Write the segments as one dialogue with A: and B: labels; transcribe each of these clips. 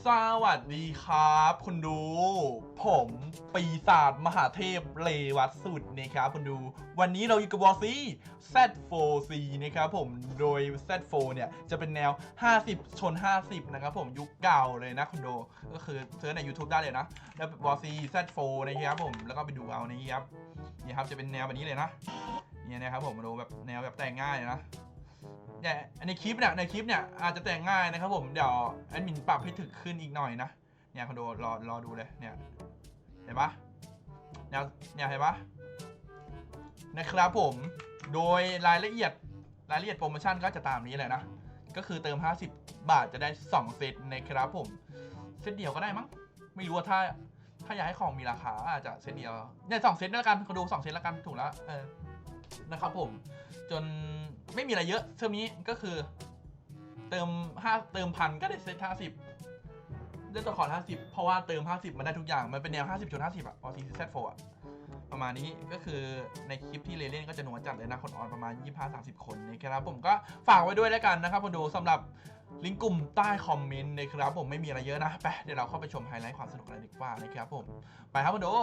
A: สวัสดีครับคุณดูผมปีศาจมหาเทพเลวัตสุดนะครับคุณดูวันนี้เราอยู่กับวอร์ซี Z4C นะครับผมโดย Z4 เนี่ยจะเป็นแนว50ชน50นะครับผมยุคเก่าเลยนะคุณดูก็คือเซิร์ชใน YouTube ได้เลยนะแล้ววอร์ซี Z4 นะครับผมแล้วก็ไปดูเอานี้ครับนี่ครับจะเป็นแนวแบบนี้เลยนะเนี่ยนะครับผมมาดูแบบแนวแบบแต่งง่ายนะเนี่ยในคลิปเนี่ยอาจจะแต่งง่ายนะครับผมเดี๋ยวแอดมินปรับให้ถึกขึ้นอีกหน่อยนะเนี่ยคุณดูรอดูเลยเนี่ยเห็นปะเนี่ยเห็นปะนะครับผมโดยรายละเอียดโปรโมชั่นก็จะตามนี้เลยนะก็คือเติม50 บาทจะได้2เซตนะครับผมเซตเดียวก็ได้มั้งไม่รู้ว่าถ้าอยากให้ของมีราคาอาจจะเซตเดียวเนี่ย2เซตแล้วกันคุณดู2เซตแล้วกันถูกแล้วนะครับผมจนไม่มีอะไรเยอะเทอมนี้ก็คือเติมพันก็ได้เซต50ได้ตัวขอ50เพราะว่าเติม50มันได้ทุกอย่างมันเป็นแนว50 50อ่ะพอ CZ4 อ่ะประมาณนี้ก็คือในคลิปที่เล่นก็จะหนัวจัดเลยนะคนออนประมาณ 25-30 คนนะครับผมก็ฝากไว้ด้วยแล้วกันนะครับคนดูสำหรับลิงก์กลุ่มใต้คอมเมนต์นะครับผมไม่มีอะไรเยอะนะไปเดี๋ยวเราเข้าไปชมไฮไลท์ความสนุกอะไรดีกว่านะครับผมไปครับคนดู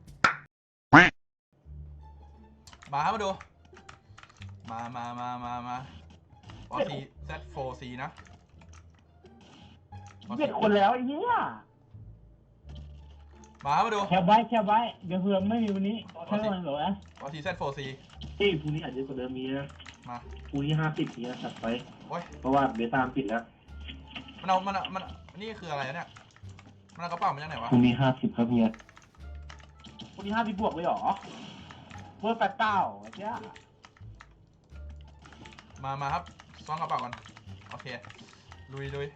A: มาครับคนดูมาปอซี Z4C นะ
B: 7 คนแล้วไอ้เหี้ย
A: มาดู
B: แคบไว้เดี๋ยวเผื่อไม่มีวันนี้แค่วันเหรอวะ
A: ปอซี Z4C
C: ที่พรุ่งนี้อาจจะกว่าเดิมมีนะ
A: มา
C: พรุ่งนี้50นี้จัดไป
A: โอ้ย
C: เพราะว่าเบต้าปิดแล้ว
A: มันนี่คืออะไรเนี่ยมันเอากระเป๋ามาจากไหนวะ
C: พรุ่งนี้50ครับเฮีย
B: วันนี้50 บวกเลยเหรอเบอร์89ไอ้เจ้า
A: มาครับซ้อนกระเป๋ากันโอเคลุย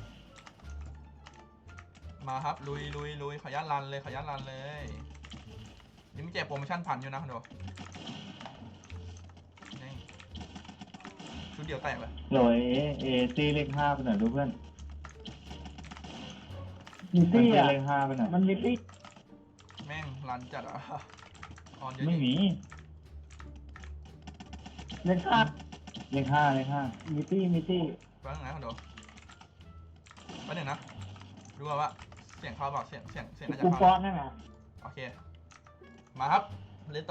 A: มาครับลุยขอยันรันเลยนี่มีแจกโปรโมชั่นผ่านอยู่นะคุณดูนี่ชุดเดียวแตกเลย
C: หน่วยตีเลข5ไปหน่อยดูเพื่อน
B: มีตี้อ่ะ
C: เลข5ไปหน่อย
B: มันมีตี้
A: แม่งรันจัดอ่ะออนเยอะ
C: ไม่มี
B: เลข5
C: เลข5
B: มีตี้
A: ฟังไหนคุณดูไปหนึ่งนะดูว่าเสียงเข้าเปล่าเสียงน่าจะ
B: กู
A: เข้า
B: ฟอนนั่นน่ะ
A: โอเคมาครับเล่นต่อ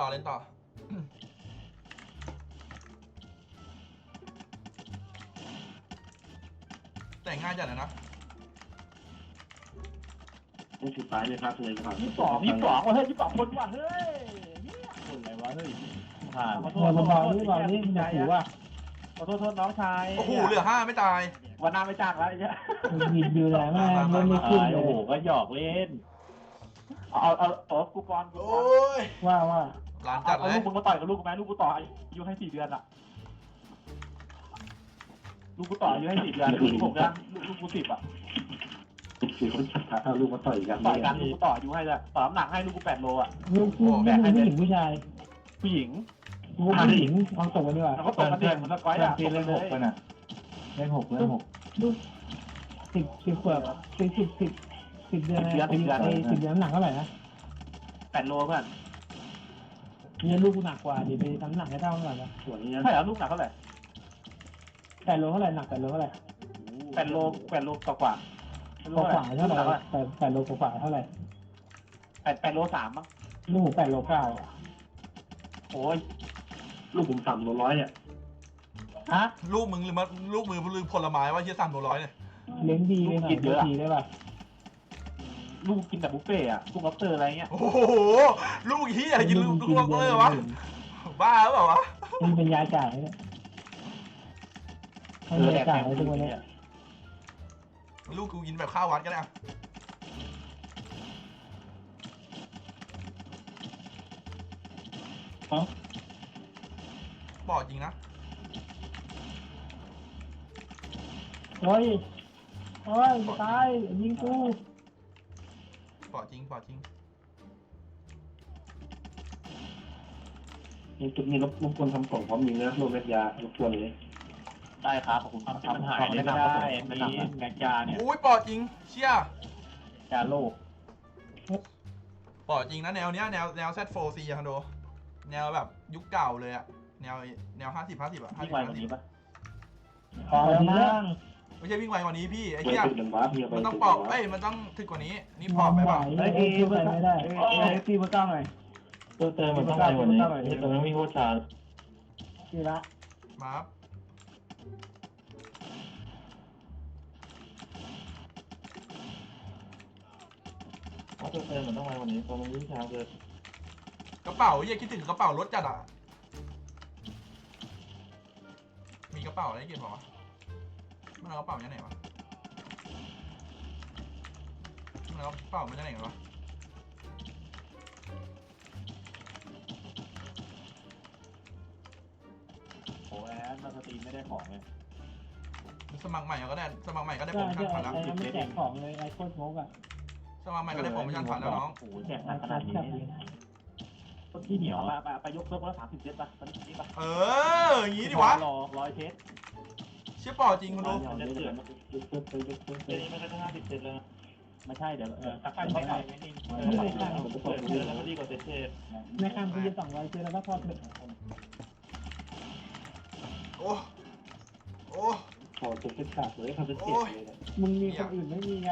A: แต่งง่ายจัดเลยนะ
C: นี่สุดท้ายเลยครับเลยครับ
B: 22ว่ะเฮ้ย22คนว่ะเฮ้ยคนอะไรวะเฮ้ย
C: ขอโทษ
B: เบาๆนี่อย่าถือว่าขอโทษน้องชาย
A: โอ้โหเหลือ5ไม่ตาย
B: วันหน้าไม่จ้างแล้วไอ้เจ้า
D: ยิงอยู่ไหนแม่งไม่ขึ้นเล
C: โอ้โห
D: ย
C: ก็หยอกเล่น
B: เอากูฟอน
A: โอ้ย
D: ว่า
A: ร้านจัด
B: เอา
A: เล
B: ลู
A: ย
B: กมึงมาต่อยกับลูกกูไหมลูกกูต่ออายุให้4 เดือนอ่ะลูกกูต่ออายุให้4 เดือนลูกผมนะลูกกู10อ่ะ
C: คือคนชัดเอาลูกมาต่อยกัน
B: ต่อยกันลูกกูต่ออายุให้แล้วต่อน้ำหนักให้ลูกกู8 โลอ่ะ
D: ลูกผู้หญิงผู้ชาย
B: ผู้หญิง
D: ลูกผู้หญิงเอาตกกันดีกว่า
B: แล้วก็ตกกันเด็กมันสกอยอ่ะ
C: ตีเลข6ไปน่ะเลข6
D: ลูก10 ขวบ10 เดือน10 เดือนน้ำหนักเท่าไหร่นะ
B: 8 โลเพื่อน
D: เนี่ยลูกกูหนักกว่าเดี๋ยวไปทำหนักให้เท่ากันนะ
C: ส่วนนี้
B: ใช่เหรอลูกหนักเท่าไหร่
D: 8 โลเท่าไหร่หนัก8 โลเท่าไหร่
B: 8 โลกว่า
D: กว่าเท่าไหร่8 โลกว่าเท่าไหร่
B: 8 โล 3มั้ง
D: ลูก8 โล 9
B: โอ้ย
C: ลูกผม300เนี่ย
B: ฮะ
A: ลูกมึงหรือลืมผลไม้ว่าเฮีย300เนี่ย
D: เลี้ยงดีเลยหน่อยดีได้ป่ะ
B: ลูกกินแต่บุฟเฟ่อะลูกล็อบสเตอร์อะไรเงี้ย
A: โอ้โหลูกเฮียกินลูกเลยวะบ้าหรือเปล่าวะ
D: มันเป็นยาจ่ายเนี่ยให้ยาจ่ายทุกวันนี้
A: ลูกกูกินแบบข้าววัดก็ได้บอกจริงนะ
D: โอ้ยตายยิงกู
A: บอกจริง
C: นี่จุดนี้รบกวนทำกล่องพร้อมยิงนะโลเม็ดยารบกวนเลย
B: ได้ครับขอบคุณครับมันหายไม่ได้มีแมกยาเนี่ย
A: อุ้ยบอกจริงเชี่ย
B: ยาโลก
A: บอกจริงนะแนวเนี้ยแนว Z4C อะคอนโดแนวแบบยุคเก่าเลยอะแนว50 อะ
B: ที่ไวกว่านี้ปะ
D: พอแล้วมั้ง
A: ไม่ใช่วิ่งไวกว่านี้พี่ไอ้
C: ไป
A: เหี้ย
C: ตึกเดินบ้าพี่ไป
A: มันต้อง
C: ตึก
A: ปอก
C: เดิน
A: เอ้
C: บ้าย
A: มันต้องถึกกว่านี้นี่ปอกไป
D: ไหว
A: ป่ะ
D: เลยไปไม่ได้
B: ตีเบอร์เก้าหน่อย
C: ตัวเติมมันต้องไปกว่านี้นี่ตัวนั้นวิ่งโคตรช้า
D: ทีละ
A: มาครับ
C: เพราะตัวเติมมันต้องไปกว่านี้ตัวมันวิ่งช้าเกิน
A: กระเป๋าเหี้ยคิดถึงกระเป๋ารถจัดอ่ะมีกระเป๋าอะไรเก็บป่าวะมันเอากระเป๋ามาจากไหนวะมันเอากระเป๋ามาจากไหนกันวะ
B: โอ้แอนมาสตรีมไม่ได้ของเลย
A: สมัครใหม่ก็ได้สมัครใหม่ก็ได้
D: ก็
A: โปรโมชั่นผ่านแล้ว
D: ไอ้ไม่แจกของเลยไอ้โคตรโมกอ่ะ
A: สมัครใหม่ก็ได้โปรโมชั่นผ่านแล้วน้อง
B: โอ้โหแจกหนักขนาดนี้ที่เหนียวไปยกเพิ่มละ30 เซตป่ะตอนนี้ป่ะ
A: เอออย่างนี้ดิวะ
B: ร้อยเซต
A: เชี่ยปอจริงคุณดู
C: จะเดือดยึดเติมไปยึดเติมไปนี่มันก็จะ50 เซนแล้ว
B: ไม่ใช่เดี๋ยวสักพักเขาใส่ไม่นิ่ง
C: มันก็ต้องเดือดแล้วดีกว่าเซต
D: ในคำกูจะ200ซื้อแล้วก็พอเถอะ
A: โอ้โอ้
C: ขอเซตขาดเลยทำเป็นเจ็บเลยนะ
D: มึงมีคนอื่นไม่มีไง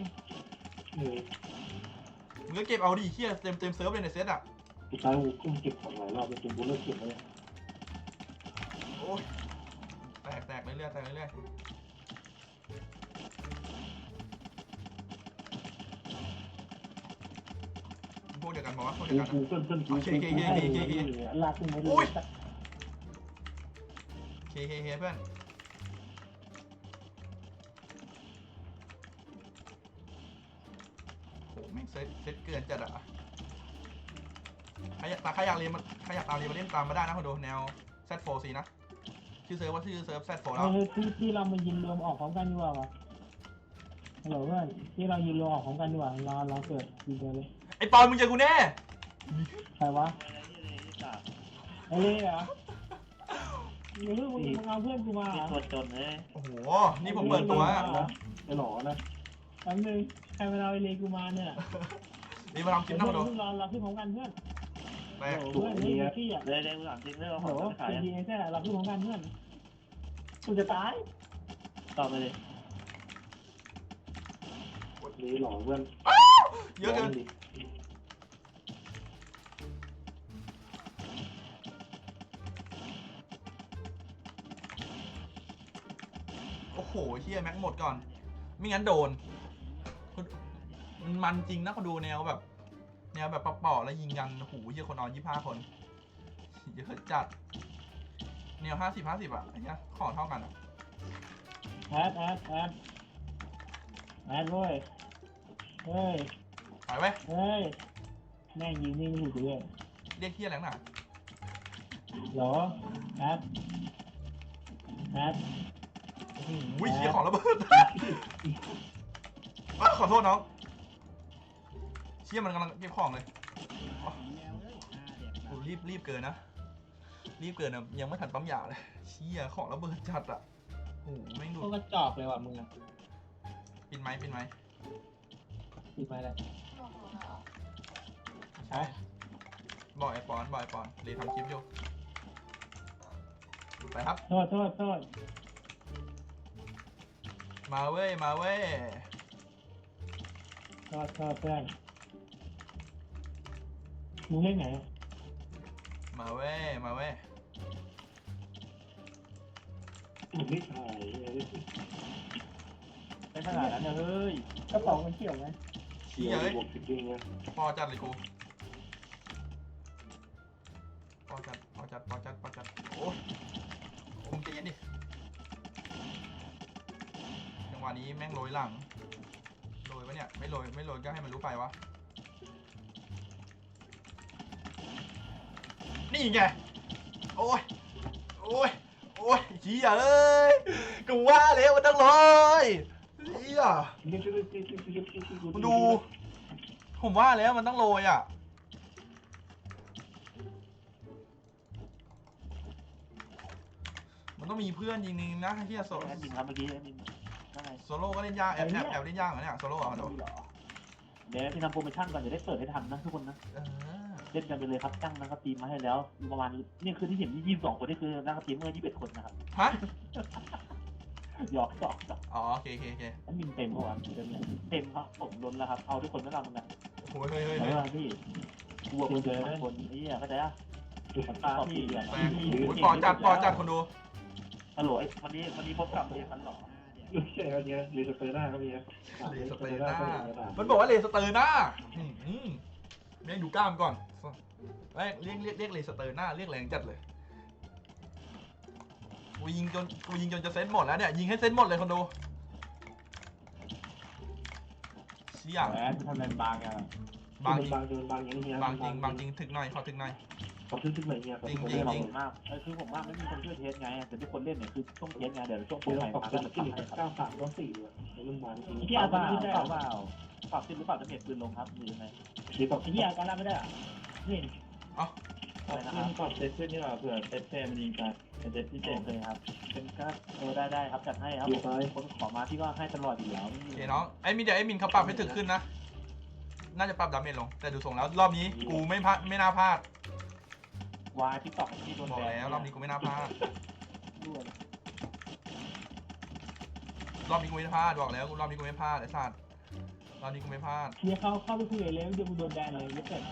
A: มึงก็เก็บเอาดิเชี่ยเต็มเซิร์ฟเลยในเซตอ่ะ
C: สุดท้ายกูกุ้งเก็บของหลายรอบจนกูเลิกเก็บแล้ว
A: โอ้ยแตกเรื่อยๆแตกเรื่อยๆพวกเดียวกันบอกว่าพวกเดียวกัน
C: กูเพิ่นกู
D: ลากขึ้นมาดู
A: เคเพื่อนโหแม่งเซตเกินจัดอ่ะใครอยากเรียนมาใครอยากตามเรียนมาเล่นตามมาได้นะคุณดูแนว Z4C นะชื่อเซิร์ฟว่าชื่อเซิร์ฟ Z4 แล้ว
D: ที่เรามายินรวมออกพร้อมกันดีกว่าวะฮัลโหลเพื่อนที่เรายินรวมออกพร้อมกันดีกว่าเราเกิดยินเดียวเลย
A: ไอปอนมึงเจอกูแน่
D: ใครวะไอ้เล่เหรอมึงเอาเพื่อนกูมา
B: ตัวจนเลย
A: โอ้โหนี่ผมเปิดตัว
C: ไอ้หล่อนะ
D: แป๊บนึงใครมาเอาไอ้เล่กูมาเนี่ย
A: นี่มาทำคลิปนะคุณดู
D: เราขึ้นพร้อมกันเพื่อน
A: แตก
D: เพื่อนนี่พี่อ่ะ
B: เลยถามจริงเรื่อง
D: โอ้
B: ข
D: โห
B: องขาย
D: ดีแค่เราขึ้นพร้อมกันเพื่อนกูจะตาย
B: ตอบไปเลย
C: นี่หล่อเพื่อน
A: เยอะเกินโอ้โหเฮียแม็กหมดก่อนไม่งั้นโดนมันจริงนะเขาดูแนวแบบปะๆแล้วยิงกันโอ้โหเฮียคนนอน25 คนเยอะจัดแนว50 อ่ะไอ้เนี้ยขอเท่ากันอ่ะ
D: แอดเว้ยเฮ้ย
A: ไปไว้
D: เฮ้ยแม่งยิงนี่ไม่ถูกเลย
A: เรียกเฮียอะไรหน่ะ
D: เหรอแอด
A: โอ้โหเฮียของระเบิดขอโทษน้องเชี่ยมันกำลังเก็บของเลยโอ้รีบเกินนะยังไม่ทันปั๊มยาเลยเชี่ยของระเบิดจัดอ่ะโอ้โหแม่งดู
D: ก็กระจอกเลยว่ะมึงอ่ะ
A: ปิดไม้
D: ปิดไปเลย
A: ใช่บอกไอปอนเลยทำคลิปอยู่ไปครับ
D: โทษ
A: มาเว้ย
D: โทษเพื่อนมึงเล่นไหน
A: มาเว้ย
C: ไม่ถ่าย
B: เป็นขนาดนั้นเลย
D: กระเป๋ามันเกี่ยวไหม
C: เชียร์บวกจริงนะ
A: พอจัดเลยกูพอจัดโอ้ยคงใจเย็นดิจังหวะนี้แม่งโรยหลังโรยปะเนี่ยไม่โรยก็ให้มันรู้ไปวะนี่ไงโอ้ยเหี้ยเอ้ยกูว่าแล้วมันต้องโรยเหี้ยดูผมว่าแล้วมันต้องโรยอ่ะมันต้องมีเพื่อนจริงๆนะเฮียโซ
B: แอดมินครับเมื่อกี้แอดมินข้างใน
A: โซโล่ก็เล่นยากแอบเล่นยากเหรอเนี่ยโซโล่อ่ะเดี๋ยว
B: เดี๋ยวพี่ทำโปรโมชั่นก่อนจะได้เปิดให้ทันนะทุกคนนะ เล่นกันไปเลยครับตั้งนักสตรีมมาให้แล้วประมาณนี่คือที่เห็นที่22 คนนี่คือนักสตรีมเมอร์21 คนนะครับ
A: ฮะ
B: หยอกหยอก
A: อ๋อโอเคโอเคโอเค
D: มันบินเต็มเพราะว่าเต็มเนี่ย
B: เต็มครับผมล้นแล้วครับเอาทุกคนไม่รับมึงนะ
A: โอ้ยเฮ้ยเฮ้ย
B: เอ
A: เฮ้ย
B: อพี่กลัวคนเจอคนนี่อ่ะเข้าใจอ่ะตาพี่อ่ะ
A: แม่งโอ้ยปอจัดคนดู
B: ฮัลโหลวันนี้พบกับเรียนกันหรอ
C: ไม่ใช่ครับเนี่ยรีสเปอร์หน้าครับเนี่ย
A: เลสเตอร์น่ามันบอกว่าเลสเตอร์น่าแม่งดูกล้ามก่อนแม่งเรียกเลสเตอร์น่าเรียกแรงจัดเลยกูยิงจนจะเซตหมดแล้วเนี่ยยิงให้เซตหมดเลยคนดูเชี่ย
D: แหมทำไมบางอ่ะ
A: บางจริง
C: บางจนบางอย่างเงี้ย
A: บางจริงถึกหน่อยขอถึกหน่อย
C: เขาทึ่งไหนเนี่ย
A: จริง
B: ขอบคุณมากคือผมว่าไม่มีคนช่วยเทสไงแต่ทุกคนเล่นเนี่ยคือช่วงเทสไงเดี๋ยวช่วงโปร
C: เดี๋ยว
B: ใหม่
C: ขอบ
B: มา
C: คุ
B: ก็
C: ณ
B: จะ
C: ที่
B: ทำให้ครับ
C: 9394เนี่ยมันมาจริง
D: ที่อาการไม่ได้
B: เปล่าปรับขึ้นหรือเปล่าจะเน็ตปืนลงครับหรือยังไง
C: หรือแบบ
D: ที่อาการไม่ได้นี่
B: อะไรนะครับ
C: ปรับเซตขึ้นนี่หว่าเผื่อเซตแซมยิงกันเซตที่
B: โอเคครับเป็นก็ได้ครับจัดให้ครับคนขอมาที่ว่าให้ตลอดอยู่แล้ว
A: โอเคน้องไอ้มินเดี๋ยวไอ้มินเขาปรับให้ถึกขึ้นนะน่าจะปรับดาเมจลงแต่ดูทรงแล้วรอบนี้กูไม่น่าพลาด
B: วายทิกตอกที่โดน
A: บอก
B: แบน
A: แล้วรอบนี้กูไม่น่าพลาด
B: ด้วย
A: รอบนี้กูไม่พลาดบอกแล้วรอบนี้กูไม่พลาดไอ้สัตว์รอบนี้กูไม่พลาด
D: เชียร์เข้าไปคุยเลยเดี๋ยวมึงโดนแบนเลยไม่เกิด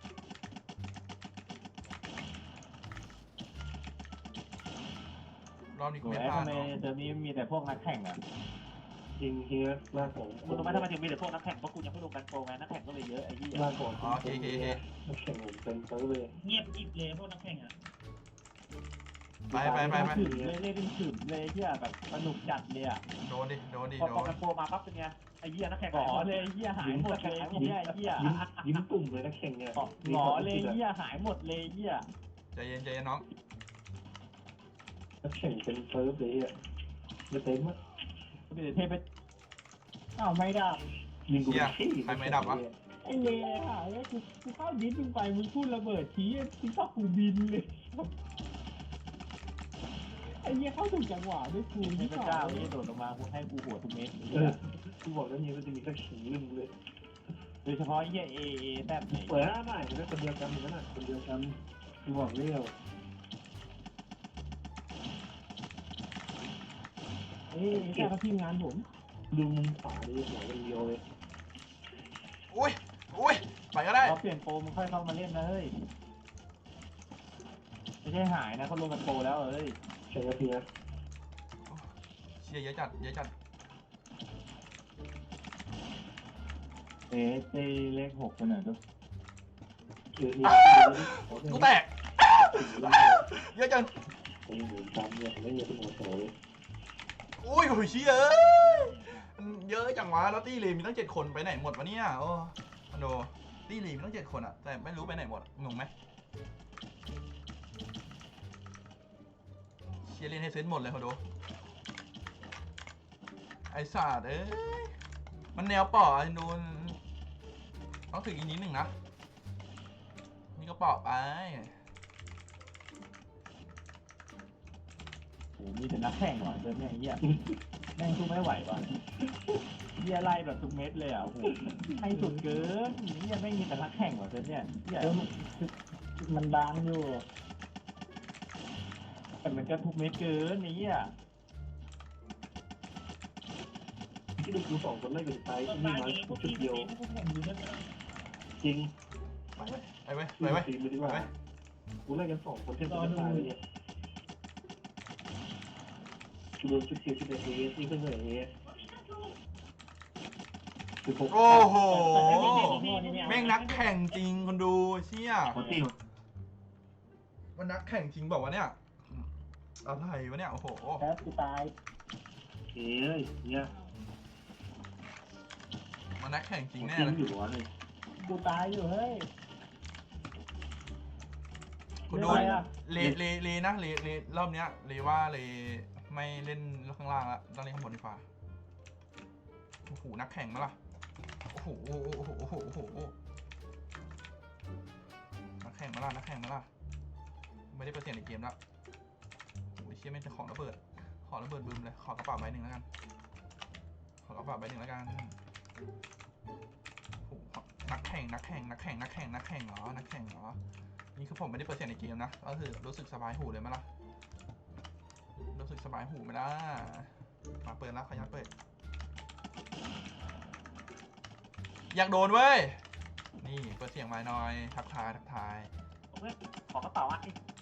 A: รอบนี้กู
B: โอ้ย
A: ไม่พลาด
B: ทำไมเดี๋ยวนี้มีแต่พวกนักแข่งอ่ะ
C: จริงเฮียหน้าผม
B: มึงรู้ไหมทำไมถึงมีแต่พวกนักแข่งเพราะกูยังไม่ลงกันโปรไงนักแข่งก็เลยเยอะไอ้ที่
C: หน้าผม
A: อ๋อโอเคโอเคโอเค
C: แข่งผมเป็นเซิร์ฟเลย
D: เงียบกิบเลยพวกนักแข่งอ่ะ
A: ไป
B: ถึงเลยเล่นเป็นถึงเลยที่แบบสนุกจัดเลยอ่ะ
A: โดนดิ
B: พอกันโปรมาปั๊บเป็นไงไอ้เหี้ยนักแข่ง
D: หงอเลยเหี้ยหายหมดเลยเหี้ยเหี้ย
C: ยิ้มตุ่มเลยนะแข่งเนี่ย
D: หงอเลยเหี้ยหายหมดเลยเหี้ย
A: ใจเย็นน้อง
C: แข่งเป็นเซิร์ฟเลยอ่ะไม่เต็มอ่ะ
B: มีแต่เทพไป
D: อ้าวไม่ได้
C: ยิงกู
D: ไอ้เล่ค่ะแล้วกูเข้าดิสมึงไปมึงพูดระเบิดทีกูชอบกูบินเลยไอ้เหี้ยเข้าถูกจังหวะด้วยกู
B: เท
D: ที่
B: พ
D: สอ
B: เจ้าง นี่โดดลงมากูให้กูหัวทุกเม็ด
C: กูบอกแล้วเนี่ยมันจะมีแค่ขิงลึงเลย
B: โดยเฉพาะไอ้เหี้ยเอแซ่บไหน
C: เปิดหน้าใหม่เป็นคนเดียวกันเหมือนกันคนเดียวกันกูบอกเร็ว
D: แค่เขาทีมงานผม
C: ดูมุมขวาดิหัวคนเดียวเลย
A: อุ้ยไปก็ได้
B: พอเปลี่ยนโปรมึงค่อยเข้ามาเล่นนะเฮ้ยไม่ใช่หายนะเขาลงกันโปรแล้วเอ้ย
C: ใช่ไหมพี่นะ
A: เชียร์เยอะจัด
B: เอ๊ะเจเลข6กันหน่อยดู
A: กูแตกเยอะจัง
C: ผมอยู่จำเนี่ยไม่เยอะที่หัวโตเลย
A: อุ้ยเชียร์เยอะจังวะแล้วตี้เลมีตั้ง7 คนไปไหนหมดวะเนี่ยโอ้คอนโดตี้เลมีตั้ง7 คนอะแต่ไม่รู้ไปไหนหมดงงไหมเชียร์เล่นให้เซนหมดเลยคอนโดไอ้สัตว์มันแนวป่อดูต้องถึงอีกนิดหนึ่งนะนี่ก็ปอบไป
B: โอ้มีแต่นักแข่งว่ะเดินเนี่ยไอ้เหี้ยแม่งสู้ไม่ไหวว่ะเหี้ยไล่แบบทุกเม็ดเลยอ่ะโอ้โหให้สุดเกินเหี้ยแม่งมีแต่นักแข่งว่ะเดินเนี่ยเหี้ย
D: มันบางอยู่
B: แต่มันก็ทุกเม็ดเกินนี่อ่ะ
C: ที่ดูกูสองคนไล่กันไปที่นี่มาชุดเดียวจริง
A: ไปเว้ย
C: ทีมเลยดีกว่ากูไล่กัน2 คนเท่ากันตายเลยเนี่ยกูโดนชุดเดียวชุดเดียวนี่ก็เหนื่อย
A: โอ้โหแม่งนักแข่งจริงคนดูเชี่ย
B: โคตรตี
A: มันนักแข่งจริงบอกว่าวะเนี่ยอะไรวะเนี่ยโอ้โห
D: แพ้กูตาย
C: เอ้ยเนี่ย
A: มันนักแข่งจริงแน่
C: จริง
A: เลย
C: อยู่วะเลย
D: กูตายอยู่เฮ้ย
A: คุณดูเลนะเลรอบเนี้ยเลว่าเลไม่เล่นข้างล่างละต้องเล่นข้างบนดีกว่าโอ้โหนักแข่งมาล่ะโอ้โหนักแข่งมาล่ะไม่ได้เปอร์เซ็นต์ในเกมแล้วโอ้ยเชี่ยไม่จะของระเบิดบึมเลยขอกระเป๋าใบหนึ่งแล้วกันโอ้โหนักแข่งเหรอนี่คือผมไม่ได้เปอร์เซ็นต์ในเกมนะก็คือรู้สึกสบายหูเลยไหมล่ะรู้สึกสบายหูไหมล่ะมาเปิดแล้วขยันเปิดอยากโดนเว้ยนี่เปิดเสียงไม้หน่อยทักทายทักทาย
B: เพื่อนขอกระเป๋าอ่ะ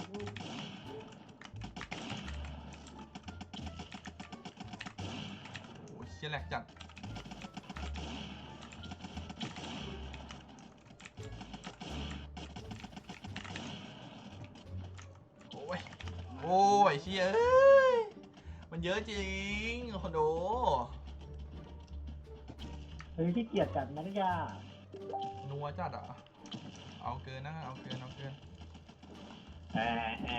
A: โอ้ยเชี่ยแหลกจัดโอ้ยโอ้ยเชี่ยเอ้ยมันเยอะจริงคนดู
D: เฮ้ยที่เกียจจัดมาริยา
A: นัวจัดอ่ะเอาเกินนะเอาเกินเอาเกิน
B: แอะ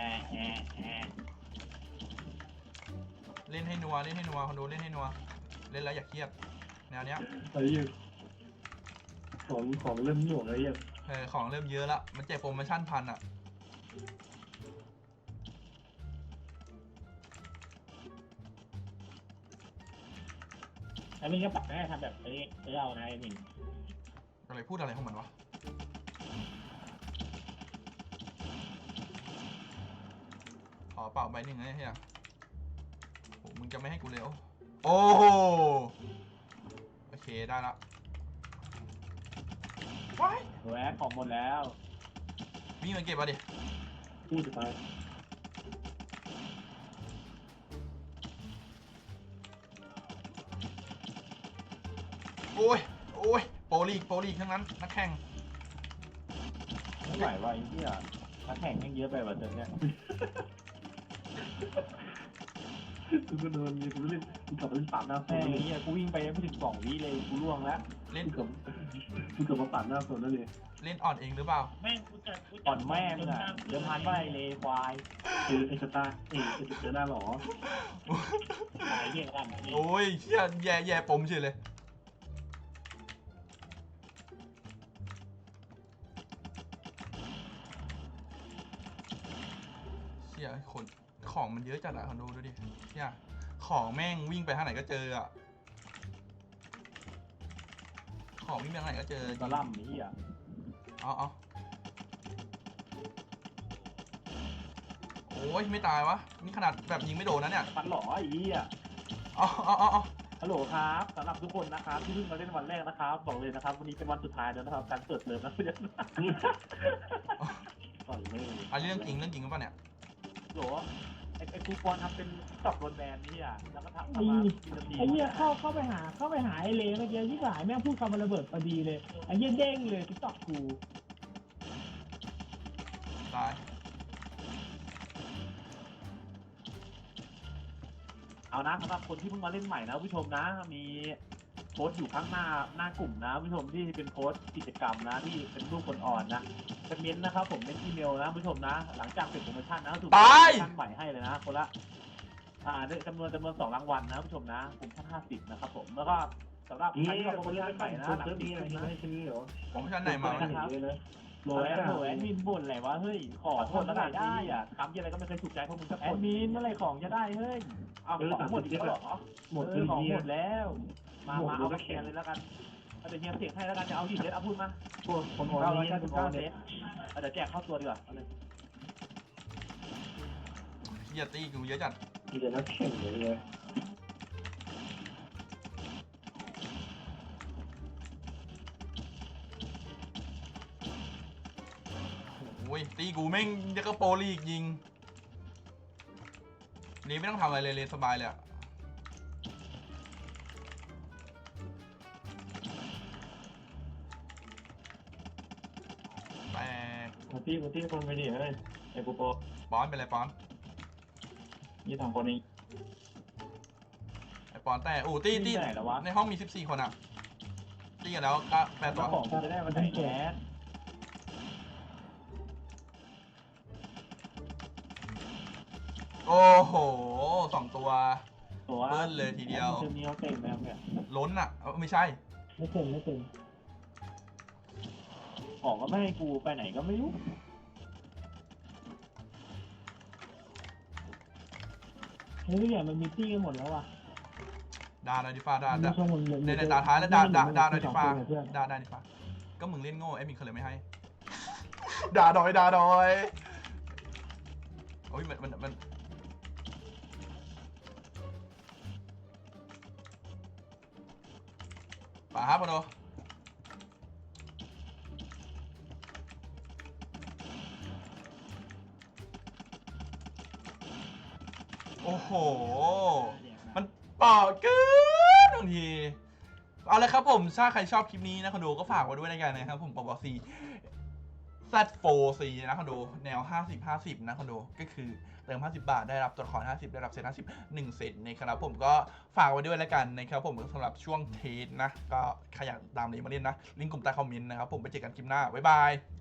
A: เล่นให้นัวเล่นให้นัวคนดูเล่นให้นัวเล่นแล้วอย่าเครียดแนวเนี้ย
C: ไอ้เหี้ยของเริ่มหน่วงไอ้เหี้ย
A: ของเริ่มเยอะละมันแจกโปรโมชั่นพันอ่ะ
D: แล้วมึงก็ปรับให้ทำแบบนี้เอานะไอ้มิน
A: อะไรพูดอะไรของมันวะขอเป่าใบหนึ่งนะเฮียโอ้มึงจะไม่ให้กูเร็วโอ้โหโอเคได้ละว้าย
B: แหวนของหมดแล้ว
A: วิ่งมาเก็บมาดิ
C: พูดจะตาย
A: โอ้ยโอ้ยโปรลีกทั้งนั้นนักแข่ง
B: ไม่ไหวว่ะไอ้เหี้ยนักแข่งแม่งเยอะไปว่ะเดี๋ยวเนี้ย
C: กูก็โดนกูเล่นกูกลับมาเล่นปากหน้าโซ
B: แม่
C: น
B: ง
C: เล
B: ไอ้
C: ย
B: เหี้ยกูวิ่งไปไม่ถึง2 วิเลยกูล่วงแล้ว
A: เล่น
C: กูกลับมาปากหน้าโซนแล้วเลย
A: เล่นอ่อนเองหรือเปล่า
D: แม่งกูจัด
B: อ่อนแม่มึงอ่ะเดี๋ยวพันว่าไอ้เลควาย
C: ไอ้สตาร์ไอ้เจอหน้าหรอ
D: ตายเหี้ยกัน
A: โอ้ยเชี่ยแย่ปมเฉยเลยเชี่ยคนของมันเยอะจัดอะคนดูดิเชี่ยของแม่งวิ่งไปทางไหนก็เจออะของวิ่งไปทางไหนก็เจอ
B: ตะล่ำไอ้เหี้ย
A: เอาโอ้ยไม่ตายวะนี่ขนาดแบบยิงไม่โดนนะเนี่ย
B: ฟันหล่อไอ้เหี้ย
A: เอา
B: ฮัลโหลครับสำหรับทุกคนนะครับที่เพิ่งมาเล่นวันแรกนะครับบอกเลยนะครับวันนี้เป็นวันสุดท้ายแล้วนะครับการเปิดเทอมนะเพื่อน
C: ต่อยไม่
A: อันนี้เรื่องจริงหรือเปล่าเนี่ย
B: โหลไอ้ครูปอนทำเป็นตอบโดนแบนนี่อ่ะแล้วก็ทำมากินนาที
D: ไอ้เหี้ยเข้าไปหาไอ้เลเมื่อกี้ที่สายแม่งพูดคำมันระเบิดพอดีเลยไอ้เหี้ยเด้งเลยติ๊กต็อกกู
A: ตาย
B: เอานะสำหรับคนที่เพิ่งมาเล่นใหม่นะผู้ชมนะมีโพสต์อยู่ข้างหน้ากลุ่มนะผู้ชมที่เป็นโพสต์กิจกรรมนะที่เป็นรูปคนอ่อนนะเป็นเม้นต์นะครับผมเป็นอีเมลนะผู้ชมนะ หลังจากเสร็จโปรโมชั่นนะถูกโปรโมชั่นใหม่ให้เลยนะคนละได้จำนวน2 รางวัลนะผู้ชมนะกลุ่มท่าน50นะครับผมแล้วก็สำหรับ
C: นี่
B: ใครที่รอโปร
C: ค
B: โม
C: นเล่น
B: ชั่นใหม่นะ
C: คน
B: หลัง
C: เติม
B: ติ
C: นี้
B: ด
C: อะไร
B: นะ
C: ไม่ใช่นี่หรอ
A: โปรโมชั่นไหนมาวะ
C: เลยนะ
B: โหลแอดมินบ่นอะไรวะเฮ้ยขอโทษแล้วกันได้อ่ะคำที่อะไรก็ไม่เคยถูกใจพวกมึงสักคนแอดมินเมื่อไรของจะได้เฮ้ยเอาของหมดอีกแล้วเหรอ
C: หมด
B: ของ
C: เหี้
B: ห
C: ย
B: มดแล้ว มาเอาไปแชร์เลยแล้วกันเดี๋ยวเฮียเสียงให้แล้วกันจะเอาดิเซตเอาพูดมา
C: พวกคนอ่อนนี่คนอ่อน
B: เซ
C: เนี่ย
B: ตเดี๋ยวแจกเข้าตัวดีกว่าเอาเลย
A: เฮียตีกูเยอะจัด
C: มีแต่นักแข่งเลย
A: โอ้ยตีกูแม่งยังก็โปรลีกยิงนี่ไม่ต้องทำอะไรเลยสบายเลยอะแตก
C: มาที่คนไปดิเฮ้ยไอ้กูโป
A: ป้อนไปเลยป้อน
C: นี่2 คนนี้
A: ไอป้อนแต่โอ้ตี
B: ไหนแล้ววะ
A: ในห้องมี14 คนอะตีกันแล้วก็8 ตัว
B: ของจะได้มาไหนแก๊ส
A: โอ้โห2 ตัว
B: ตัว
A: เบิ้ลเลยทีเดียว
B: เทอมนี้เขาเต็มแล้วเนี่ย
A: ล้นอะไม่ใช่
D: ไม่เต็มไม่เต็ม
B: ของก็ไม่ให้กูไปไหนก็ไม่รู้
D: เฮ้ยเนี่ยมันมีตี้กันหมดแล้วว่ะ
A: ดาดิฟ้าดา
D: ช่วงมัน
A: ในตาท้ายแล้วดาดิฟ้าดาดิฟ้าก็มึงเล่นโง่ไอ้มินเขาเลยไม่ให้ ด่าดอยโอ้ยมันป่าครับคนดูโอ้โหมันเปล่าเกินบางทีเอาเลยครับผมถ้าใครชอบคลิปนี้นะคนดูก็ฝากไว้ด้วยในกันนะครับผมปอบซีZ4C นะคนดูแนว50-50นะคนดูก็คือเติม50 บาทได้รับตัวละคร50ได้รับเซต50 1เซตนะครับผมก็ฝากไว้ด้วยแล้วกันนะครับผมสำหรับช่วงเทสนะก็ใครอยากตามนี้มาเล่นนะลิงก์กลุ่มใต้คอมเมนต์นะครับผมไปเจอกันคลิปหน้าบ๊ายบาย